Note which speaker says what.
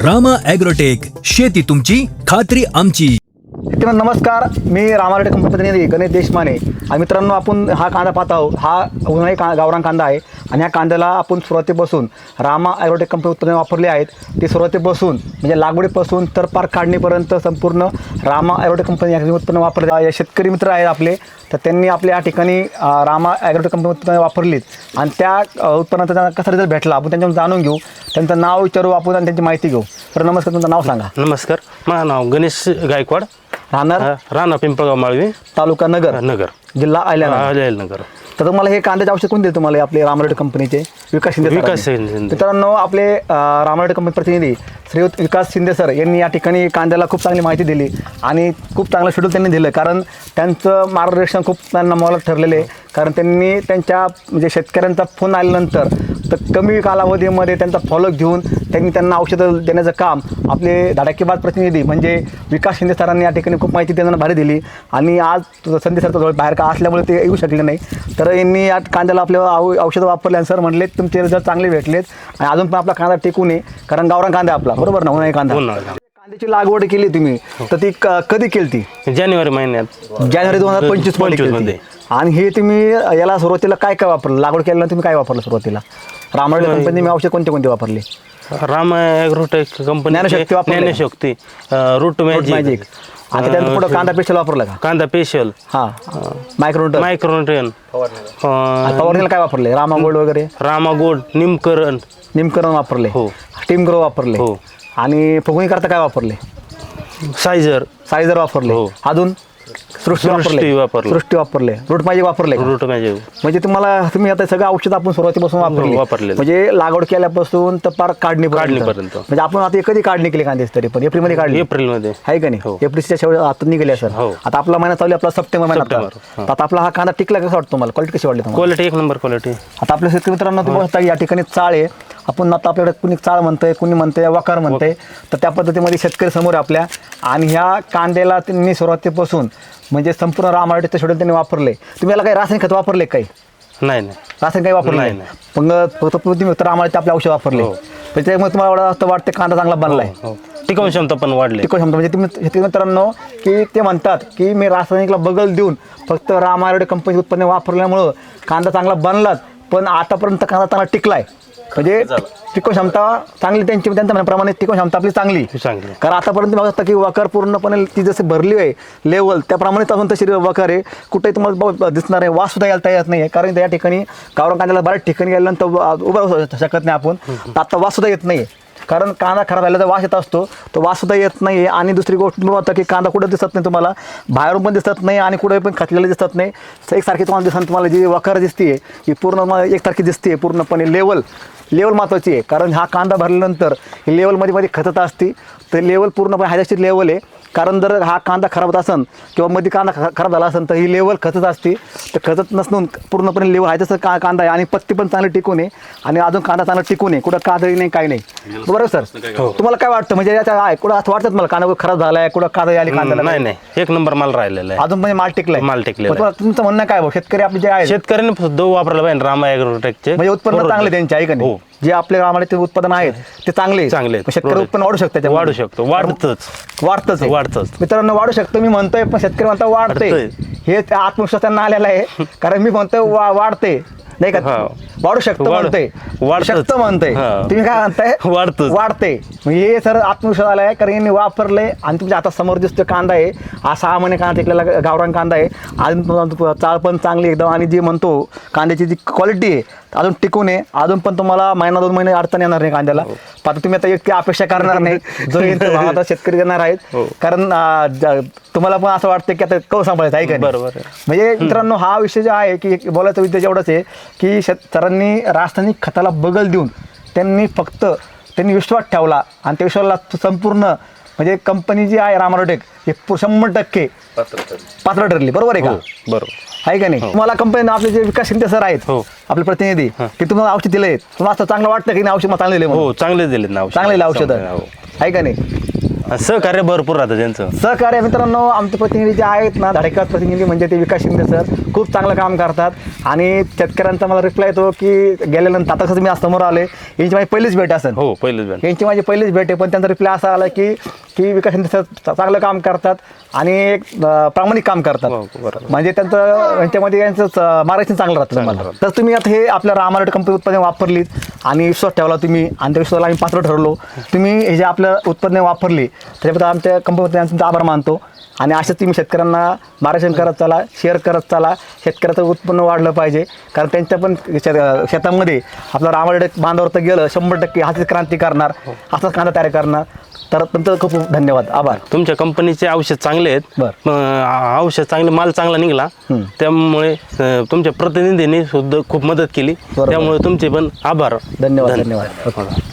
Speaker 1: Rama agrotech, शेती तुमची खात्री आमची.
Speaker 2: मित्रांनो नमस्कार, मी रामा ॲग्रोटेक कंपनी प्रतिनिधी गणेश देशमाने. आणि मित्रांनो, आपण हा कांदा पाहत आहोत. हा उन्हाळी गावरान कांदा आहे आणि ह्या कांद्याला आपण सुरुवातीपासून रामा ॲग्रोटेक कंपनी उत्पादने वापरले आहेत. ते सुरुवातीपासून म्हणजे लागवडीपासून तर पार काढणीपर्यंत संपूर्ण रामा ॲग्रोटेक कंपनी या उत्पन्न वापरले. शेतकरी मित्र आहेत आपले, तर त्यांनी आपल्या या ठिकाणी रामा ॲग्रोटेक कंपनी उत्पन्न वापरलीत आणि त्या उत्पन्नाचा त्यांना कसा रिझल्ट भेटला आपण त्यांच्याकडून जाणून घेऊ. त्यांचं नाव विचारू आपण आणि त्यांची माहिती घेऊ. तर नमस्कार, तुमचं नाव सांगा.
Speaker 3: नमस्कार, माझं नाव गणेश गायकवाड, राहणार पिंपळगाव माळवी,
Speaker 2: तालुका नगर, जिल्हा
Speaker 3: अहिल्यानगर.
Speaker 2: तर तुम्हाला हे कांद्याचे औषध कोण दिले तुम्हाला? आपले रामा ॲग्रोटेक कंपनीचे विकास शिंदे. मित्रांनो, आपले रामा ॲग्रोटेक कंपनी प्रतिनिधी श्रीयुत विकास शिंदे सर यांनी या ठिकाणी कांद्याला खूप चांगली माहिती दिली आणि खूप चांगलं शेड्यूल त्यांनी दिलं. कारण त्यांचं मार्गदर्शन खूप त्यांना मोलात ठरलेलं आहे. कारण त्यांनी त्यांच्या म्हणजे शेतकऱ्यांचा फोन आल्यानंतर तर कमी कालावधीमध्ये त्यांचा फॉलोअप घेऊन त्यांना औषधं देण्याचं काम आपले धडाकेबाज प्रतिनिधी म्हणजे विकास शिंदे सरांनी या ठिकाणी खूप माहिती त्यांना भारी दिली. आणि आज संधी सरचा जवळ बाहेर का असल्यामुळे ते येऊ शकले नाही. तर यांनी या कांद्याला आपल्या औषधं वापरले आणि सर म्हटले तुमचे रिझल्ट चांगले भेटलेत आणि अजून पण आपला कांदा टिकू नये. कारण गावरान कांदा आपला, बरोबर ना? उन्हाळी कांदा. कांद्याची लागवड केली तुम्ही, तर ती कधी केली? ती
Speaker 3: जानेवारी महिन्यात,
Speaker 2: जानेवारी 2025 मध्ये. आणि हे तुम्ही याला सुरुवातीला काय काय वापरलं? लागवड केल्यानंतर तुम्ही काय वापरलं सुरुवातीला? रामा ॲग्रोटेक कंपनी मी औषध कोणते वापरले?
Speaker 3: Rama agrotech company, Gyanshakti, root magic.
Speaker 2: आता त्यानंतर पुढं कांदा स्पेशल वापरला का?
Speaker 3: कांदा स्पेशल,
Speaker 2: हां, मायक्रोन्यूट्रन. फवारणीला काय वापरले? रामा गोल्ड वगैरे,
Speaker 3: रामा गोल्ड,
Speaker 2: निमकरण वापरले,
Speaker 3: हो.
Speaker 2: टीम ग्रो वापरले,
Speaker 3: हो.
Speaker 2: आणि फुगणी करता काय वापरले? सायझर वापरले,
Speaker 3: हो.
Speaker 2: अजून सृष्टी वापरले, रूट मॅजिक वापरले. म्हणजे तुम्ही आता सगळं औषध आपण सुरुवातीपासून वापरले, म्हणजे लागवड केल्यापासून तर पार काढणीपर्यंत. म्हणजे आपण आता कधी काढणी केली कांद्याची? तरी पण एप्रिलमध्ये काढली.
Speaker 3: एप्रिलमध्ये आहे
Speaker 2: का नाही? एप्रिलच्या शेवट आता निघाले सर. आता आपला महिना चालू, आपला सप्टेंबर महिना. आता आपला हा कांदा टिकला कसा वाटतो तुम्हाला? क्वालिटी कशी वाटली?
Speaker 3: क्वालिटी एक नंबर क्वालिटी.
Speaker 2: आता आपल्या शेतकरी मित्रांनो तुम्ही या ठिकाणी चाळ आहे. आपण आता आपल्याकडे कुणी चाळ म्हणतंय, कुणी म्हणतंय वकार म्हणतंय. तर त्या पद्धतीमध्ये शेतकरी समोर आपल्या. आणि ह्या कांद्याला त्यांनी सुरुवातीपासून म्हणजे संपूर्ण रामा ॲग्रोटेकचं शेड्यूल त्यांनी वापरले. तुम्ही याला काही रासायनिक खत वापरले? काही
Speaker 3: नाही,
Speaker 2: रासायनिक काही वापरलं नाही. पण फक्त तुम्ही रामा ॲग्रोटेकचे आपले औषध वापरले. त्याच्यामुळे तुम्हाला असं वाटतं कांदा चांगला बनलाय.
Speaker 3: टिकाऊ क्षमता पण वाढली.
Speaker 2: म्हणजे तुम्ही शेतकरी मित्रांनो की ते म्हणतात की मी रासायनिकला बगल देऊन फक्त रामा ॲग्रोटेक कंपनी उत्पन्न वापरल्यामुळं कांदा चांगला बनलाच, पण आतापर्यंत कांदा चांगला टिकलाय. म्हणजे टिकवू क्षमता चांगली त्यांच्या म्हणण्याप्रमाणे टिकवू क्षमता आपली चांगली. कारण आतापर्यंत बघत की वकार पूर्णपणे ती जशी भरली आहे लेवल, त्याप्रमाणेच अजून तशी वकार आहे. कुठेही तुम्हाला दिसणार आहे. वास सुद्धा यायला तयार नाही आहे. कारण त्या ठिकाणी गावरान कांद्याला बऱ्याच ठिकाणी गेल्यानंतर उभं राहू शकत नाही आपण. आता वास सुद्धा येत नाही. कारण कांदा खराब झाल्याचा वास येत असतो, तो वास सुद्धा येत नाही आहे. आणि दुसरी गोष्ट तुम्ही बघता की कांदा कुठं दिसत नाही तुम्हाला, बाहेरून पण दिसत नाही आणि कुठे पण खचलेलं दिसत नाही. एकसारखी तुम्हाला दिसत, तुम्हाला जी वकार दिसते ही पूर्ण एकसारखी दिसते पूर्णपणे. लेवल महत्त्वाची आहे. कारण हा कांदा भरल्यानंतर ही लेवलमध्ये खचत असते. तर लेवल पूर्णपणे हायदाशीर लेवल आहे. कारण जर हा कांदा खराब होत असेल किंवा मध्ये कांदा खराब झाला असेल तर ही लेवल खचत असते. तर खचत नसून पूर्णपणे लेवल आहे तसं कांदा आहे. आणि पत्ती पण चांगली टिकून आहे आणि अजून कांदा चांगला टिकून आहे. कुठं कादळी नाही, काही नाही. बरोबर सर? तुम्हाला काय वाटतं? म्हणजे याच्या आहे कुठं असं वाटतं मला कांदा खराब झाला आहे, कुठं कादळी आली कांद्याला?
Speaker 3: नाही, एक नंबर माल राहिलेला आहे.
Speaker 2: अजून म्हणजे माल टिकलाय. तुमचं म्हणणं काय? शेतकरी आपले जे आहे
Speaker 3: शेतकऱ्यांनी दो वापरला पाहिजे रामा ॲग्रोटेकचे.
Speaker 2: म्हणजे उत्पन्न चांगले त्यांचे आहे का नाही? जे आपल्या रामाचे उत्पादन आहेत ते चांगले. शेतकरी उत्पन्न वाढू शकतं.
Speaker 3: वाढतच
Speaker 2: मित्रांनो, वाढू शकतो मी म्हणतोय, पण शेतकरी म्हणता वाढते. हे आत्मविश्वास त्यांना आलेला आहे. कारण मी म्हणतोय वाढते नाही का? वाढू शकतो म्हणतोय, तुम्ही काय म्हणताय? वाढते. हे सर आत्मविश्वास आला आहे. कारण यांनी वापरले आणि तुमच्या आता समोर दिसतोय कांदा आहे. हा 6 महिने कांदा टिकलेला गावरान कांदा आहे. अजून चाळ पण चांगली एकदम. आणि जी म्हणतो कांद्याची जी क्वालिटी आहे अजून टिकून आहे. अजून पण तुम्हाला महिना 2 महिने अडचण येणार नाही कांद्याला. आता तुम्ही आता इतकी अपेक्षा करणार नाही जो आता शेतकरी देणार आहेत. कारण तुम्हाला पण असं वाटतं की आता कौ सांभाळायचं आहे का?
Speaker 3: बरोबर.
Speaker 2: म्हणजे मित्रांनो, हा विषय जो आहे की बोलायचा विद्या एवढंच आहे की सरांनी रासायनिक खताला बगल देऊन त्यांनी विश्वास ठेवला. आणि त्या विश्वासाला संपूर्ण म्हणजे कंपनी जी आहे रामा ॲग्रोटेक हे 100% पात्र ठरली. बरोबर आहे का?
Speaker 3: बरोबर
Speaker 2: आहे का नाही? तुम्हाला कंपनी आपले जे विकास शिंदे सर आहेत आपले प्रतिनिधी की तुम्हाला औषध दिले, तुम्हाला असं चांगलं वाटतं की नाही? औषध चांगले दिले?
Speaker 3: चांगले दिले ना,
Speaker 2: चांगले औषध आहे का नाही?
Speaker 3: सहकार्य भरपूर राहतं त्यांचं.
Speaker 2: सहकार्य मित्रांनो, आमचे प्रतिनिधी जे आहेत ना, धडकेबाज प्रतिनिधी म्हणजे ते विकास शिंदे सर खूप चांगलं काम करतात आणि शेतकऱ्यांचा मला रिप्लाय येतो की गेल्यानंतर आता कसं मी आज समोर आले, यांची माझी पहिलीच भेट असेल.
Speaker 3: हो पहिलेच बॅन.
Speaker 2: यांची माझी पहिलीच भेट आहे, पण त्यांचा रिप्लाय असा आला की विकास शिंदे सर चांगलं काम करतात आणि एक प्रामाणिक काम करतात.
Speaker 3: हो, बरोबर.
Speaker 2: म्हणजे त्यांचं यांच्यामध्ये यांचं मार्गदर्शन चांगलं राहतं तुम्हाला. तर तुम्ही आता हे आपल्या रामारोड कंपनी उत्पादने वापरलीत आणि विश्वास ठेवला तुम्ही आणि त्या विश्वासाला आम्ही पात्र ठरलो. तुम्ही हे जे आपलं उत्पादने वापरली त्याच्याबद्दल आमच्या कंपनीबद्दल तुमचा आभार मानतो आणि असेच तुम्ही शेतकऱ्यांना मार्गदर्शन करत चला, शेअर करत चला. शेतकऱ्याचं उत्पन्न वाढलं पाहिजे, कारण त्यांच्या पण शेतामध्ये आपलं रामारोड बांधावर तर गेलं 100% हाच क्रांती करणार, असाच कांदा तयार करणार. तर तुमचं खूप खूप धन्यवाद, आभार.
Speaker 3: तुमच्या कंपनीचे औषध चांगले आहेत.
Speaker 2: बरं.
Speaker 3: औषध चांगले, माल चांगला निघाला, त्यामुळे तुमच्या प्रतिनिधींनी सुद्धा खूप मदत केली.
Speaker 2: बरोबर.
Speaker 3: त्यामुळे तुमचे पण आभार.
Speaker 2: धन्यवाद.